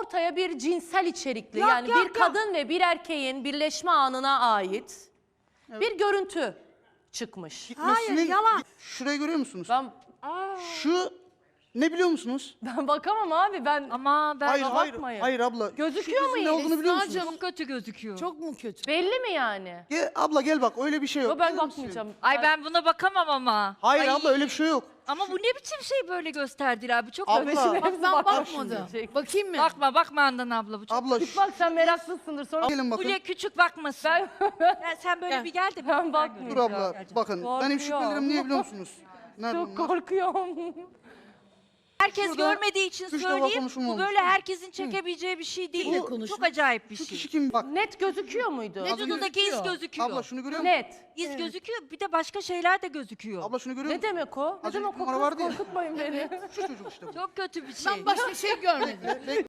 ortaya bir cinsel içerikli yani bir kadın ve bir erkeğin birleşme anına ait bir görüntü çıkmış. Hayır, yalan. Şurayı görüyor musunuz? Ben Şu ne biliyor musunuz? bakamam abi ben. Ama ben bakmayın. Hayır abla. Gözüküyor mu Ne iyi? olduğunu biliyor musunuz? çok kötü gözüküyor. Çok mu kötü? Belli mi yani? Abla gel bak öyle bir şey yok. Yo, ben Biliyor musun? bakmayacağım. Ay ben buna bakamam ama. Hayır Ay, abla öyle bir şey yok. Ama bu ne biçim şey böyle gösterdiler abi çok Abla. kötü. Bak ben bakmadım. şimdi. Bakayım mı? Bakma Handan abla bu çok. Abla Bak sen meraklısındır sonra gelin bakın. Fulya küçük bakmasın. ben Sen böyle bir gel de ben Dur bakmayacağım. abla bakın. Benim şüphelerim niye biliyor musunuz? Nerede Çok bunlar? korkuyorum. herkes Şurada görmediği için üç defa söyleyeyim. Bu konuşulmamış. böyle herkesin çekebileceği bir şey değil. Kimle Bu konuşmuş? çok acayip bir Şu şey. kişi kim? Bak Net gözüküyor muydu? Vücudundaki iz gözüküyor. abla şunu görüyor musun? Net. İz gözüküyor bir de başka şeyler de gözüküyor. Abla şunu görüyor Ne musun? demek o? Ne Az önce demek o? numara Kız vardı ya. korkutmayın beni. Şu çocuk işte bu. Çok kötü bir şey. Ben başka şey görmedim.